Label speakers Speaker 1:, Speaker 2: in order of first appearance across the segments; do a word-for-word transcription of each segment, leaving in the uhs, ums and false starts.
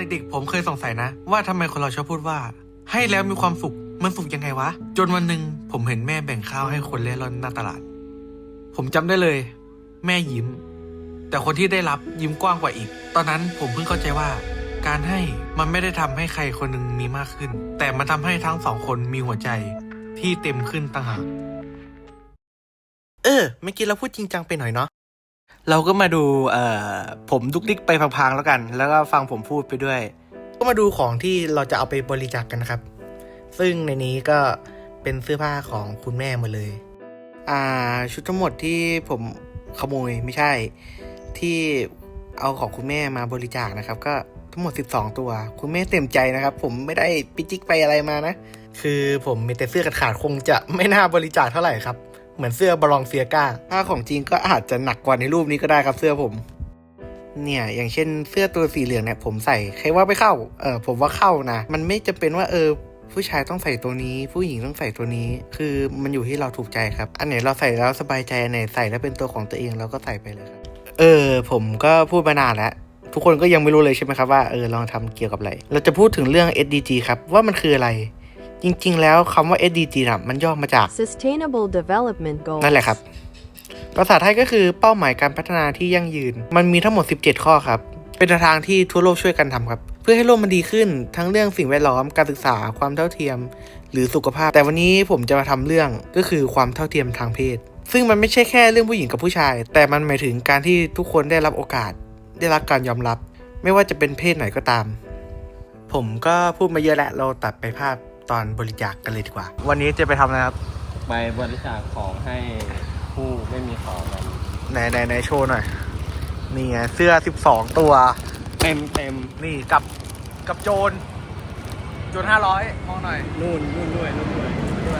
Speaker 1: เด็กๆผมเคยสงสัยนะว่าทำไมคนเราชอบพูดว่าให้แล้วมีความสุขมันสุขยังไงวะจนวันหนึ่งผมเห็นแม่แบ่งข้าวให้คนเล่ร่อนหน้าตลาดผมจำได้เลยแม่ยิ้มแต่คนที่ได้รับยิ้มกว้างกว่าอีกตอนนั้นผมเพิ่งเข้าใจว่าการให้มันไม่ได้ทำให้ใครคนหนึ่งมีมากขึ้นแต่มันทำให้ทั้งสองคนมีหัวใจที่เต็มขึ้นต่างหากเออเมื่อกี้เราพูดจริงจังไปหน่อยเนาะเราก็มาดูเอ่อผมดุกดิกไปพังๆแล้วกันแล้วก็ฟังผมพูดไปด้วยก็มาดูของที่เราจะเอาไปบริจาค กันนะครับซึ่งในนี้ก็เป็นเสื้อผ้าของคุณแม่หมดเลยอ่าชุดทั้งหมดที่ผมขโมยไม่ใช่ที่เอาของคุณแม่มาบริจาคนะครับก็ทั้งหมดสิบสองตัวคุณแม่เต็มใจนะครับผมไม่ได้ปิจิกไปอะไรมานะคือผมมีแต่เสื้อขาดๆคงจะไม่น่าบริจาคเท่าไหร่ครับเหมือนเสื้อบาลองเซียก้าถ้าของจริงก็อาจจะหนักกว่าในรูปนี้ก็ได้ครับเสื้อผมเนี่ยอย่างเช่นเสื้อตัวสีเหลืองเนี่ยผมใส่ใครว่าไม่เข้าเออผมว่าเข้านะมันไม่จำเป็นว่าเออผู้ชายต้องใส่ตัวนี้ผู้หญิงต้องใส่ตัวนี้คือมันอยู่ที่เราถูกใจครับอันไหนเราใส่แล้วสบายใจอันไหนใส่แล้วเป็นตัวของตัวเองเราก็ใส่ไปเลยครับเออผมก็พูดมานานแล้วทุกคนก็ยังไม่รู้เลยใช่ไหมครับว่าเออลองทำเกี่ยวกับอะไรเราจะพูดถึงเรื่อง เอส ดี จี ครับว่ามันคืออะไรจริงๆแล้วคำว่า เอส ดี จี นะมันย่อมาจาก
Speaker 2: Sustainable Development Goals
Speaker 1: นั่นแหละครับภาษาไทยก็คือเป้าหมายการพัฒนาที่ยั่งยืนมันมีทั้งหมดสิบเจ็ดข้อครับเป็นทางที่ทั่วโลกช่วยกันทำครับเพื่อให้โลกมันดีขึ้นทั้งเรื่องสิ่งแวดล้อมการศึกษาความเท่าเทียมหรือสุขภาพแต่วันนี้ผมจะมาทำเรื่องก็คือความเท่าเทียมทางเพศซึ่งมันไม่ใช่แค่เรื่องผู้หญิงกับผู้ชายแต่มันหมายถึงการที่ทุกคนได้รับโอกาสได้รับการยอมรับไม่ว่าจะเป็นเพศไหนก็ตามผมก็พูดมาเยอะแล้วเราตัดไปภาพตอนบริจาค ก, กันเลยดีกว่าวันนี้จะไปทำอะไรครับ
Speaker 3: ไปบริจาคของให้ผู้ไม่มีของกัน
Speaker 1: ไหนไหนไหนโชว์หน่อยนี่ไงเสื้อสิบสองตัว
Speaker 3: เต็มเต็ม
Speaker 1: นี่กับกับโจรโจรห้าร้อยมองหน่อย
Speaker 3: นู่นนู่นด้วยนู่นด้วย
Speaker 1: ด้วย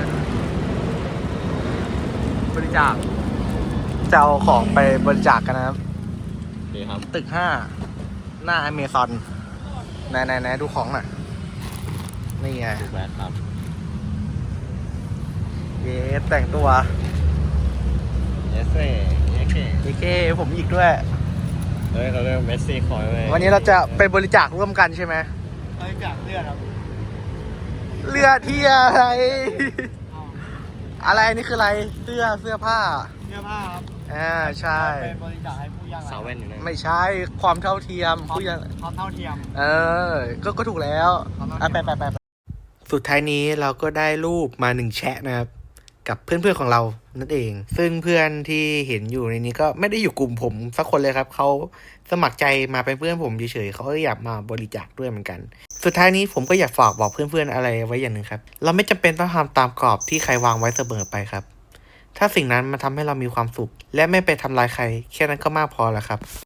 Speaker 1: บริจาคจะเอาของไปบริจาค กันนะครับ
Speaker 3: นี่ครับ
Speaker 1: ตึกห้าหน้าอเมซอนไหนไหนไหนดูของหน่อยนี่ไง
Speaker 3: ถูกแล้วครับ
Speaker 1: เย้แต่งตัว
Speaker 3: เยสเซ่เยสเซ่
Speaker 1: เยเก้ผมอีกด้วย
Speaker 3: เฮ้ยเขาเรียกเมสซี่คอยไว้
Speaker 1: วันนี้เราจะไปบริจาคร่วมกันใช่ไหม
Speaker 3: บริจาคเลือดครับ
Speaker 1: เลือดที่อะไรอะไรนี่คืออะไรเสื้อเสื้อผ้า
Speaker 3: เสื้อผ้าครับ
Speaker 1: อ่าใช่
Speaker 3: ไปบริจาคให้ผู้ยากไร้สาวแว่นอยู่นะ
Speaker 1: ไม่ใช่ความเท่าเทียมผู้ยาก
Speaker 3: ความเท่าเทียม
Speaker 1: เออก็ก็ถูกแล้วอ่ะไปไปไปสุดท้ายนี้เราก็ได้รูปมาหนึ่งแชะนะครับกับเพื่อนๆของเรานั่นเองซึ่งเพื่อนที่เห็นอยู่ในนี้ก็ไม่ได้อยู่กลุ่มผมสักคนเลยครับเขาสมัครใจมาเป็นเพื่อนผมเฉยๆเขาก็อยากมาบริจาคด้วยเหมือนกันสุดท้ายนี้ผมก็อยากฝากบอกเพื่อนๆอะไรไว้อย่างหนึ่งครับเราไม่จำเป็นต้องทำตามกรอบที่ใครวางไว้เสมอไปครับถ้าสิ่งนั้นมันทำให้เรามีความสุขและไม่ไปทำลายใครแค่นั้นก็มากพอแล้วครับ